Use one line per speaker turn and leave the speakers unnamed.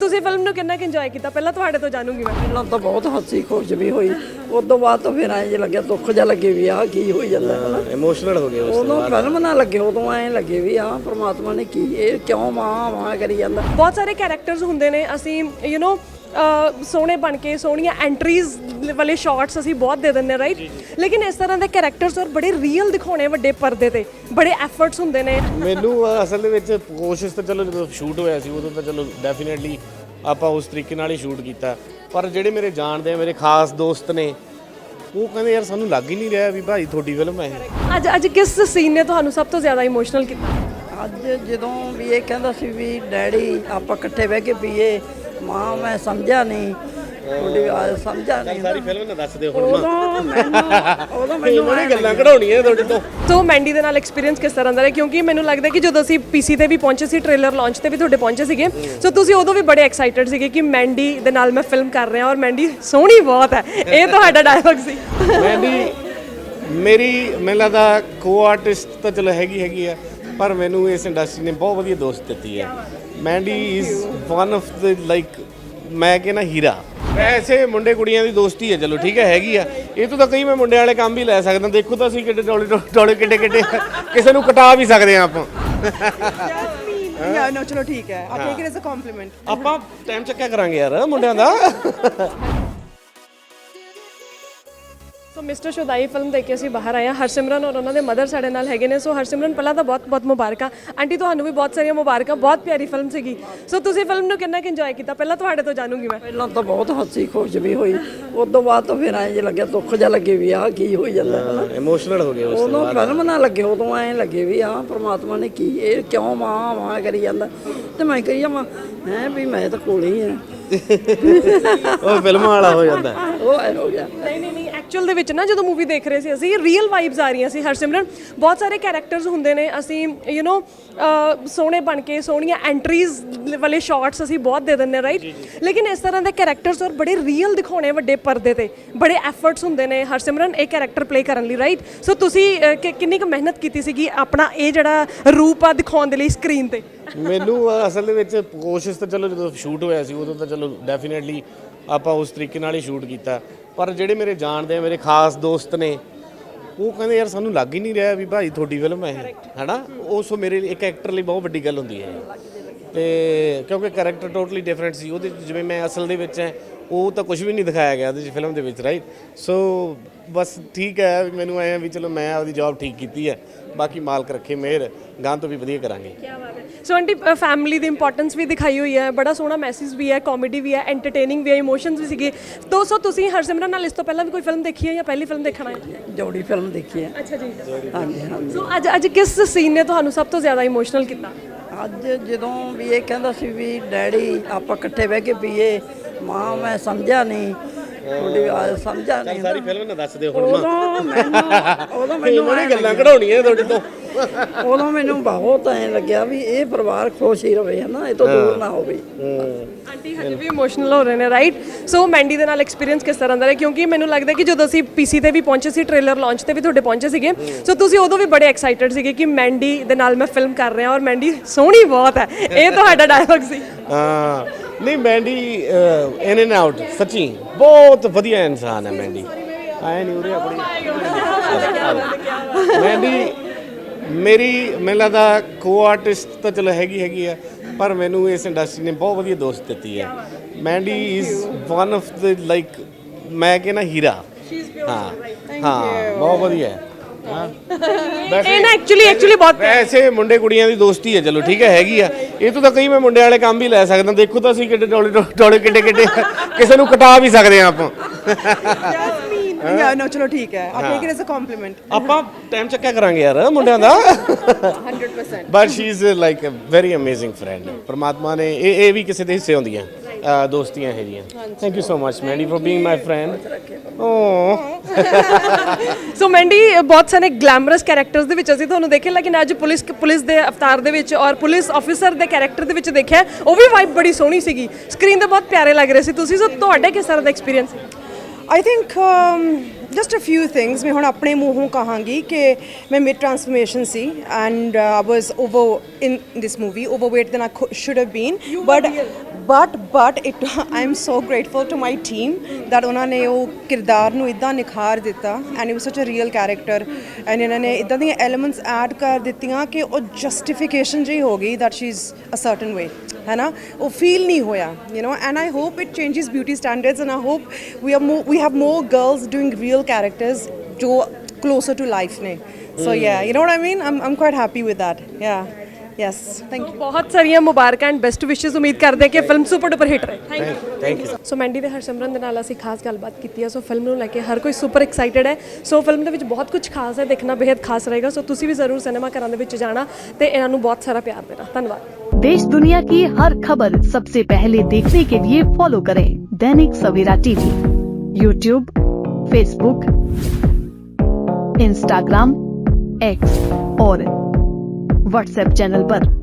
ਤੁਸੀਂ ਫਿਲਮ ਨੂੰ ਕਿੰਨਾ ਕਿ ਇੰਜੋਏ ਕੀਤਾ ਪਹਿਲਾਂ ਤੁਹਾਡੇ ਤੋਂ ਜਾਣੂਗੀ ਮੈਂ।
ਪਹਿਲਾਂ ਤਾਂ ਬਹੁਤ ਹੱਸੀ ਖੁਸ਼ ਵੀ ਹੋਈ, ਉਸ ਤੋਂ ਬਾਅਦ ਤਾਂ ਫਿਰ ਐਂ ਲੱਗਿਆ ਦੁੱਖ ਜਿਹਾ ਲੱਗੇ ਵੀ ਆਹ ਕੀ ਹੋਈ ਜਾਂਦਾ ਹੈ ਨਾ,
ਇਮੋਸ਼ਨਲ ਹੋ ਗਏ
ਉਦੋਂ ਫਿਲਮ ਨਾ ਲੱਗੇ, ਉਦੋਂ ਐਂ ਲੱਗੇ ਵੀ ਆਹ ਪ੍ਰਮਾਤਮਾ ਨੇ ਕੀ ਇਹ ਕਿਉਂ ਮਾਂ ਕਰੀ ਜਾਂਦਾ।
ਬਹੁਤ ਸਾਰੇ ਕੈਰੈਕਟਰਸ ਹੁੰਦੇ ਨੇ, ਅਸੀਂ ਸੋਹਣੇ ਬਣ ਕੇ ਸੋਹਣੀਆਂ ਐਂਟਰੀਜ਼ ਵਾਲੇ ਸ਼ਾਟਸ ਅਸੀਂ ਬਹੁਤ ਦੇ ਦਿੰਦੇ ਰਾਈਟ, ਲੇਕਿਨ ਇਸ ਤਰ੍ਹਾਂ ਦੇ ਕੈਰੈਕਟਰਸ ਔਰ ਬੜੇ ਰੀਅਲ ਦਿਖਾਉਣੇ ਵੱਡੇ ਪਰਦੇ ਤੇ, ਬੜੇ ਐਫਰਟਸ ਹੁੰਦੇ ਨੇ।
ਮੈਨੂੰ ਅਸਲ ਦੇ ਵਿੱਚ ਕੋਸ਼ਿਸ਼ ਤਾਂ ਚਲੋ ਜਦੋਂ ਸ਼ੂਟ ਹੋਇਆ ਸੀ ਉਦੋਂ ਤਾਂ ਚਲੋ ਡੈਫੀਨੇਟਲੀ ਆਪਾਂ ਉਸ ਤਰੀਕੇ ਨਾਲ ਹੀ ਸ਼ੂਟ ਕੀਤਾ, ਪਰ ਜਿਹੜੇ ਮੇਰੇ ਜਾਣਦੇ ਆ ਮੇਰੇ ਖਾਸ ਦੋਸਤ ਨੇ ਉਹ ਕਹਿੰਦੇ ਯਾਰ ਸਾਨੂੰ ਲੱਗ ਹੀ ਨਹੀਂ ਰਿਹਾ ਵੀ ਭਾਈ ਤੁਹਾਡੀ ਫਿਲਮ ਹੈ ਇਹ।
ਅੱਜ ਕਿਸ ਸੀਨ ਨੇ ਤੁਹਾਨੂੰ ਸਭ ਤੋਂ ਜ਼ਿਆਦਾ ਇਮੋਸ਼ਨਲ ਕੀਤਾ?
ਅੱਜ ਜਦੋਂ ਵੀ ਇਹ ਕਹਿੰਦਾ ਸੀ ਵੀ ਡੈਡੀ ਆਪਾਂ ਇਕੱਠੇ ਬਹਿ ਕੇ ਪੀਏ, ਮਾਂ ਮੈਂ ਸਮਝਿਆ ਨਹੀਂ ਤੁਹਾਡੀ ਆਵਾਜ਼ ਸਮਝਿਆ ਨਹੀਂ।
ਸਾਰੀ ਫਿਲਮ ਨਾ ਦੱਸ ਦਿਓ ਹੁਣ
ਉਦੋਂ ਮੈਨੂੰ
ਉਹਨੇ ਗੱਲਾਂ ਕਢਾਉਣੀਆਂ ਤੁਹਾਡੇ ਤੋਂ।
ਸੋ ਮੈਂਡੀ ਦੇ ਨਾਲ ਐਕਸਪੀਰੀਅੰਸ ਕਿਸ ਤਰ੍ਹਾਂ ਦਾ ਰਿਹਾ? ਕਿਉਂਕਿ ਮੈਨੂੰ ਲੱਗਦਾ ਕਿ ਜਦੋਂ ਅਸੀਂ ਪੀਸੀ ਤੇ ਵੀ ਪਹੁੰਚੇ ਸੀ, ਟ੍ਰੇਲਰ ਲਾਂਚ ਤੇ ਵੀ ਤੁਹਾਡੇ ਪਹੁੰਚੇ ਸੀਗੇ, ਸੋ ਤੁਸੀਂ ਉਦੋਂ ਵੀ ਬੜੇ ਐਕਸਾਈਟਡ ਸੀਗੇ ਕਿ ਮੈਂਡੀ ਦੇ ਨਾਲ ਮੈਂ ਫਿਲਮ ਕਰ ਰਿਹਾ ਔਰ ਮੈਂਡੀ ਸੋਹਣੀ ਬਹੁਤ ਹੈ, ਇਹ ਤੁਹਾਡਾ ਡਾਇਲੌਗ ਸੀ।
ਮੇਰੀ ਮੈਨੂੰ ਲੱਗਦਾ ਕੋ ਆਰਟਿਸਟ ਤਾਂ ਚਲੋ ਹੈਗੀ ਆ, ਪਰ ਮੈਨੂੰ ਇਸ ਇੰਡਸਟਰੀ ਨੇ ਬਹੁਤ ਵਧੀਆ ਦੋਸਤ ਦਿੱਤੀ ਹੈ। Mandy is one of the like ਮੈਂ ਕਹਿੰਦਾ ਹੀਰਾ। ਵੈਸੇ ਮੁੰਡੇ ਕੁੜੀਆਂ ਦੀ ਦੋਸਤੀ ਹੈ ਚਲੋ ਠੀਕ ਹੈ ਹੈਗੀ ਆ, ਇਹ ਤੋਂ ਤਾਂ ਕਈ ਮੈਂ ਮੁੰਡਿਆਂ ਵਾਲੇ ਕੰਮ ਵੀ ਲੈ ਸਕਦਾ। ਦੇਖੋ ਤਾਂ ਅਸੀਂ ਕਿੱਡੇ ਟੋਲੇ ਕਿੱਡੇ ਕਿਸੇ ਨੂੰ ਕਟਾ ਵੀ ਸਕਦੇ ਆ ਆਪਾਂ।
ਨੋ ਚਲੋ ਠੀਕ ਹੈ, ਆਪ take it as a compliment.
ਆਪਾਂ ਟਾਈਮ ਚੱਕਿਆ ਕਰਾਂਗੇ ਯਾਰ ਮੁੰਡਿਆਂ ਦਾ।
ਸੋ ਮਿਸਟਰ ਸ਼ੁਦਾਈ ਫਿਲਮ ਦੇਖ ਕੇ ਅਸੀਂ ਬਾਹਰ ਆਏ ਹਾਂ। ਹਰਸਿਮਰਨ ਔਰ ਉਹਨਾਂ ਦੇ ਮਦਰ ਸਾਡੇ ਨਾਲ ਹੈਗੇ ਨੇ। ਸੋ ਹਰਸਿਮਰਨ ਪਹਿਲਾਂ ਤਾਂ ਬਹੁਤ ਬਹੁਤ ਮੁਬਾਰਕਾਂ ਆਂਟੀ, ਤੁਹਾਨੂੰ ਵੀ ਬਹੁਤ ਸਾਰੀਆਂ ਮੁਬਾਰਕਾਂ, ਬਹੁਤ ਪਿਆਰੀ ਫਿਲਮ ਸੀਗੀ। ਸੋ ਤੁਸੀਂ ਫਿਲਮ ਨੂੰ ਕਿੰਨਾ ਕਿ ਇੰਜੋਏ ਕੀਤਾ ਪਹਿਲਾਂ ਤੁਹਾਡੇ ਤੋਂ ਜਾਣੂਗੀ ਮੈਂ।
ਪਹਿਲਾਂ ਤਾਂ ਬਹੁਤ ਹੱਸੀ ਖੁਸ਼ ਵੀ ਹੋਈ, ਉਸ ਤੋਂ ਬਾਅਦ ਤਾਂ ਫਿਰ ਐਂ ਲੱਗਿਆ ਦੁੱਖ ਜਿਹਾ ਲੱਗੇ ਵੀ ਆਹ ਕੀ ਹੋਈ ਜਾਂਦਾ ਹੈ ਨਾ,
ਇਮੋਸ਼ਨਲ ਹੋ ਗਏ
ਉਦੋਂ ਫਿਲਮ ਨਾ ਲੱਗੇ, ਉਦੋਂ ਐਂ ਲੱਗੇ ਵੀ ਆਹ ਪ੍ਰਮਾਤਮਾ ਨੇ ਕੀ ਇਹ ਕਿਉਂ ਮਾਂ ਕਰੀ ਜਾਂਦਾ। ਤੇ ਮੈਂ ਕਹੀ ਜਾਵਾਂ ਹੈ ਵੀ ਮੈਂ ਤਾਂ ਕੋਲ ਹੀ ਆ।
ਉਹ ਫਿਲਮਾਂ ਵਾਲਾ ਹੋ ਜਾਂਦਾ,
ਉਹ ਐ ਹੋ ਗਿਆ। ਨਹੀਂ ਐਕਚੁਅਲ ਦੇ ਵਿੱਚ ਨਾ ਜਦੋਂ ਮੂਵੀ ਦੇਖ ਰਹੇ ਸੀ ਅਸੀਂ, ਰੀਅਲ ਵਾਈਬਸ ਆ ਰਹੀਆਂ ਸੀ। ਹਰਸਿਮਰਨ ਬਹੁਤ ਸਾਰੇ ਕੈਰੈਕਟਰਸ ਹੁੰਦੇ ਨੇ, ਅਸੀਂ ਸੋਹਣੇ ਬਣ ਕੇ ਸੋਹਣੀਆਂ ਐਂਟਰੀਜ਼ ਵਾਲੇ ਸ਼ਾਟਸ ਅਸੀਂ ਬਹੁਤ ਦੇ ਦਿੰਦੇ ਰਾਈਟ, ਲੇਕਿਨ ਇਸ ਤਰ੍ਹਾਂ ਦੇ ਕੈਰੈਕਟਰਸ ਔਰ ਬੜੇ ਰੀਅਲ ਦਿਖਾਉਣੇ ਵੱਡੇ ਪਰਦੇ ਤੇ, ਬੜੇ ਐਫਰਟਸ ਹੁੰਦੇ ਨੇ ਹਰਸਿਮਰਨ ਇਹ ਕੈਰੈਕਟਰ ਪਲੇ ਕਰਨ ਲਈ ਰਾਈਟ। ਸੋ ਤੁਸੀਂ ਕਿੰਨੀ ਕੁ ਮਿਹਨਤ ਕੀਤੀ ਸੀਗੀ ਆਪਣਾ ਇਹ ਜਿਹੜਾ ਰੂਪ ਆ ਦਿਖਾਉਣ ਦੇ ਲਈ ਸਕਰੀਨ ਤੇ?
ਮੈਨੂੰ ਅਸਲ ਦੇ ਵਿੱਚ ਕੋਸ਼ਿਸ਼ ਤਾਂ ਚਲੋ ਜਦੋਂ ਸ਼ੂਟ ਹੋਇਆ ਸੀ ਉਦੋਂ ਤਾਂ ਚਲੋ ਡੈਫੀਨੇਟਲੀ ਆਪਾਂ ਉਸ ਤਰੀਕੇ ਨਾਲ ਹੀ ਸ਼ੂਟ ਕੀਤਾ, ਪਰ ਜਿਹੜੇ ਮੇਰੇ ਜਾਣਦੇ ਆ ਮੇਰੇ ਖਾਸ ਦੋਸਤ ਨੇ ਉਹ ਕਹਿੰਦੇ ਯਾਰ ਸਾਨੂੰ ਲੱਗ ਹੀ ਨਹੀਂ ਰਿਹਾ ਵੀ ਭਾਈ ਤੁਹਾਡੀ ਫਿਲਮ ਹੈ ਇਹ, ਹੈਨਾ। ਉਸ ਮੇਰੇ ਲਈ ਇੱਕ ਐਕਟਰ ਲਈ ਬਹੁਤ ਵੱਡੀ ਗੱਲ ਹੁੰਦੀ ਹੈ, ਤੇ ਕਿਉਂਕਿ ਕੈਰੈਕਟਰ ਟੋਟਲੀ ਡਿਫਰੈਂਟ ਸੀ ਉਹਦੇ ਜਿਵੇਂ ਮੈਂ ਅਸਲ ਦੇ ਵਿੱਚ ਹੈ ਉਹ ਤਾਂ ਕੁਝ ਵੀ ਨਹੀਂ ਦਿਖਾਇਆ ਗਿਆ ਉਹਦੇ ਫਿਲਮ ਦੇ ਵਿੱਚ ਰਾਈਟ। ਸੋ ਬਸ ਠੀਕ ਹੈ, ਮੈਨੂੰ ਐਂ ਵੀ ਚਲੋ ਮੈਂ ਆਪਦੀ ਜੌਬ ਠੀਕ ਕੀਤੀ ਹੈ, ਬਾਕੀ ਮਾਲਕ ਰੱਖੇ ਮਿਹਰ, ਗਾਂ ਤੋਂ ਵੀ ਵਧੀਆ ਕਰਾਂਗੇ।
ਸੋ ਆਂਟੀ ਫੈਮਿਲੀ ਦੀ ਇੰਪੋਰਟੈਂਸ ਵੀ ਦਿਖਾਈ ਹੋਈ ਹੈ, ਬੜਾ ਸੋਹਣਾ ਮੈਸੇਜ ਵੀ ਹੈ, ਕਾਮੇਡੀ ਵੀ ਹੈ, ਐਂਟਰਟੇਨਿੰਗ ਵੀ ਹੈ, ਇਮੋਸ਼ਨਸ ਵੀ ਸੀਗੇ। ਸੋ ਤੁਸੀਂ ਹਰਸਿਮਰਨ ਨਾਲ ਇਸ ਤੋਂ ਪਹਿਲਾਂ ਵੀ ਕੋਈ ਫਿਲਮ ਦੇਖੀ ਹੈ ਜਾਂ ਪਹਿਲੀ ਫਿਲਮ ਦੇਖਣਾ ਹੈ?
ਜੋੜੀ ਫਿਲਮ ਦੇਖੀ ਹੈ।
ਅੱਛਾ ਜੀ,
ਹਾਂਜੀ ਹਾਂਜੀ।
ਸੋ ਅੱਜ ਕਿਸ ਸੀਨ ਨੇ ਤੁਹਾਨੂੰ ਸਭ ਤੋਂ ਜ਼ਿਆਦਾ ਇਮੋਸ਼ਨਲ ਕੀਤਾ?
ਅੱਜ ਜਦੋਂ ਵੀ ਇਹ ਕਹਿੰਦਾ ਸੀ ਵੀ ਡੈਡੀ ਆਪਾਂ ਇਕੱਠੇ ਬਹਿ ਕੇ ਪੀਏ, ਮਾਂ ਮੈਂ ਸਮਝਿਆ ਨਹੀਂ ਤੁਹਾਡੀ ਆਵਾਜ਼ ਸਮਝਿਆ ਨਹੀਂ।
ਸਾਰੀ ਫਿਲਮ ਨਾ ਦੱਸ ਦਿਓ ਹੁਣ
ਉਦੋਂ ਮੈਨੂੰ
ਉਹਨੇ ਗੱਲਾਂ ਕਢਾਉਣੀਆਂ ਤੁਹਾਡੇ ਤੋਂ।
ਉਦੋਂ ਮੈਨੂੰ ਬਹੁਤ ਐਂ ਲੱਗਿਆ ਵੀ ਇਹ ਪਰਿਵਾਰ ਖੁਸ਼ ਹੀ ਰਵੇ ਹੈ ਨਾ, ਇਹ ਤੋਂ ਦੂਰ ਨਾ ਹੋਵੇ।
ਆਂਟੀ ਹਜੇ ਵੀ ਇਮੋਸ਼ਨਲ ਹੋ ਰਹੇ ਨੇ ਰਾਈਟ। ਸੋ ਮੈਂਡੀ ਦੇ ਨਾਲ ਐਕਸਪੀਰੀਅੰਸ ਕਿਸ ਤਰ੍ਹਾਂ ਦਾ ਰਿਹਾ? ਕਿਉਂਕਿ ਮੈਨੂੰ ਲੱਗਦਾ ਕਿ ਜਦੋਂ ਅਸੀਂ ਪੀਸੀ ਤੇ ਵੀ ਪਹੁੰਚੇ ਸੀ, ਟ੍ਰੇਲਰ ਲਾਂਚ ਤੇ ਵੀ ਤੁਹਾਡੇ ਪਹੁੰਚੇ ਸੀਗੇ, ਸੋ ਤੁਸੀਂ ਉਦੋਂ ਵੀ ਬੜੇ ਐਕਸਾਈਟਡ ਸੀਗੇ ਕਿ ਮੈਂਡੀ ਦੇ ਨਾਲ ਮੈਂ ਫਿਲਮ ਕਰ ਰਿਹਾ ਔਰ ਮੈਂਡੀ ਸੋਹਣੀ ਬਹੁਤ ਹੈ, ਇਹ ਤੁਹਾਡਾ ਡਾਇਲੌਗ ਸੀ।
ਹਾਂ ਨਹੀਂ ਮੈਂਡੀ ਇਨ ਐਂਡ ਆਊਟ ਸੱਚੀ ਬਹੁਤ ਵਧੀਆ ਇਨਸਾਨ ਹੈ ਮੈਂਡੀ। ਆਏ ਨਹੀਂ ਉਰੇ ਆਪਣੀ ਮੈਂਡੀ ਮੈਨੂੰ ਲੱਗਦਾ ਕੋ ਆਰਟਿਸਟ ਤਾਂ ਚਲੋ ਹੈਗੀ ਆ, ਪਰ ਮੈਨੂੰ ਇਸ ਇੰਡਸਟਰੀ ਨੇ ਬਹੁਤ ਵਧੀਆ ਦੋਸਤ ਦਿੱਤੀ ਹੈ। Mandy is one of the like ਮੈਂ ਕਹਿੰਦਾ ਹੀਰਾ। ਹਾਂ ਬਹੁਤ ਵਧੀਆ ਹੈ।
ਇਹ ਨਾ ਐਕਚੁਅਲੀ ਬਹੁਤ
ਵੈਸੇ ਮੁੰਡੇ ਕੁੜੀਆਂ ਦੀ ਦੋਸਤੀ ਹੈ ਚਲੋ ਠੀਕ ਹੈ ਹੈਗੀ ਆ, ਇਹ ਤੋਂ ਤਾਂ ਕਈ ਮੈਂ ਮੁੰਡਿਆਂ ਵਾਲੇ ਕੰਮ ਵੀ ਲੈ ਸਕਦਾ। ਦੇਖੋ ਤਾਂ ਅਸੀਂ ਕਿੱਡੇ ਟੋਲੇ ਕਿੱਡੇ ਕਿਸੇ ਨੂੰ ਕਟਾ ਵੀ ਸਕਦੇ ਆ ਆਪਾਂ।
ਨੋ ਚਲੋ ਠੀਕ ਹੈ, ਆਪ take it as a compliment.
ਆਪਾਂ ਟਾਈਮ ਚੱਕਿਆ ਕਰਾਂਗੇ ਯਾਰ ਮੁੰਡਿਆਂ ਦਾ।
100%।
But she is like a very amazing friend. ਪਰਮਾਤਮਾ ਨੇ ਇਹ ਵੀ ਕਿਸੇ ਦੇ ਹਿੱਸੇ ਹੁੰਦੀਆਂ ਦੋਸਤੀਆਂ ਹੈਗੀਆਂ। Thank you so much Mandy for being my friend.
So Mandy ਬਹੁਤ ਸਾਰੇ ਗਲੈਮਰਸ ਕੈਰੈਕਟਰਸ ਦੇ ਵਿੱਚ ਅਸੀਂ ਤੁਹਾਨੂੰ ਦੇਖਿਆ, ਲੇਕਿਨ ਅੱਜ ਪੁਲਿਸ ਦੇ ਅਵਤਾਰ ਦੇ ਵਿੱਚ ਔਰ ਪੁਲਿਸ ਆਫੀਸਰ ਦੇ ਕੈਰੈਕਟਰ ਦੇ ਵਿੱਚ ਦੇਖਿਆ, ਉਹ ਵੀ ਵਾਈਬ ਬੜੀ ਸੋਹਣੀ ਸੀਗੀ, ਸਕਰੀਨ ਤੇ ਬਹੁਤ ਪਿਆਰੇ ਲੱਗ ਰਹੇ ਸੀ ਤੁਸੀਂ। ਸੋ ਤੁਹਾਡੇ ਕਿਸ ਤਰ੍ਹਾਂ ਦਾ ਐਕਸਪੀਰੀਅੰਸ ਸੀ?
I think just a few things मैं हुण अपने मूँहों कहांगी कि मैं मिड ट्रांसफॉर्मेशन सी and I was over in this movie overweight then I should have been, but it I am so grateful to my team that ਉਹਨਾਂ ਨੇ ਉਹ ਕਿਰਦਾਰ ਨੂੰ ਇਦਾਂ ਨਿਖਾਰ ਦਿੱਤਾ and it was such a real character and ਇਹਨਾਂ ਨੇ ਇਦਾਂ ਦੀਆਂ elements add ਕਰ ਦਿੱਤੀਆਂ ਕਿ ਉਹ justification ਜਿਹੀ ਹੋ ਗਈ that she is a certain way है ना वो feel नहीं होया you know and I hope it changes beauty standards and I hope we have more girls doing real characters जो closer to life ने so yeah you know what I mean I'm quite happy with that yeah yes thank you
ਬਹੁਤ ਸਾਰੀਆਂ ਮੁਬਾਰਕਾਂ and best ਵਿਸ਼ੇਸ ਉਮੀਦ ਕਰਦੇ ਹਾਂ ਕਿ ਫਿਲਮ ਸੁਪਰ ਡੁਪਰ ਹਿੱਟ ਰਹੇ
ਥੈਂਕ ਯੂ
ਸੋ ਮੈਂਡੀ ਤੇ ਹਰਸਿਮਰਨ ਦੇ ਨਾਲ ਅਸੀਂ ਖਾਸ ਗੱਲਬਾਤ ਕੀਤੀ ਹੈ ਸੋ ਫਿਲਮ ਨੂੰ ਲੈ ਕੇ ਹਰ ਕੋਈ ਸੁਪਰ ਐਕਸਾਈਟਿਡ ਹੈ ਸੋ ਫਿਲਮ ਦੇ ਵਿੱਚ ਬਹੁਤ ਕੁਝ ਖਾਸ ਹੈ ਦੇਖਣਾ ਬੇहद ਖਾਸ ਰਹੇਗਾ ਸੋ ਤੁਸੀਂ ਵੀ ਜ਼ਰੂਰ ਸਿਨੇਮਾ ਘਰਾਂ ਦੇ ਵਿੱਚ ਜਾਣਾ ਤੇ ਇਹਨਾਂ ਨੂੰ ਬਹੁਤ ਸਾਰਾ ਪਿਆਰ ਦੇਣਾ ਧੰਨਵਾਦ
देश दुनिया की हर खबर सबसे पहले देखने के लिए फॉलो करें Dainik Savera TV, YouTube, Facebook, Instagram, X और व्हाट्सएप चैनल पर।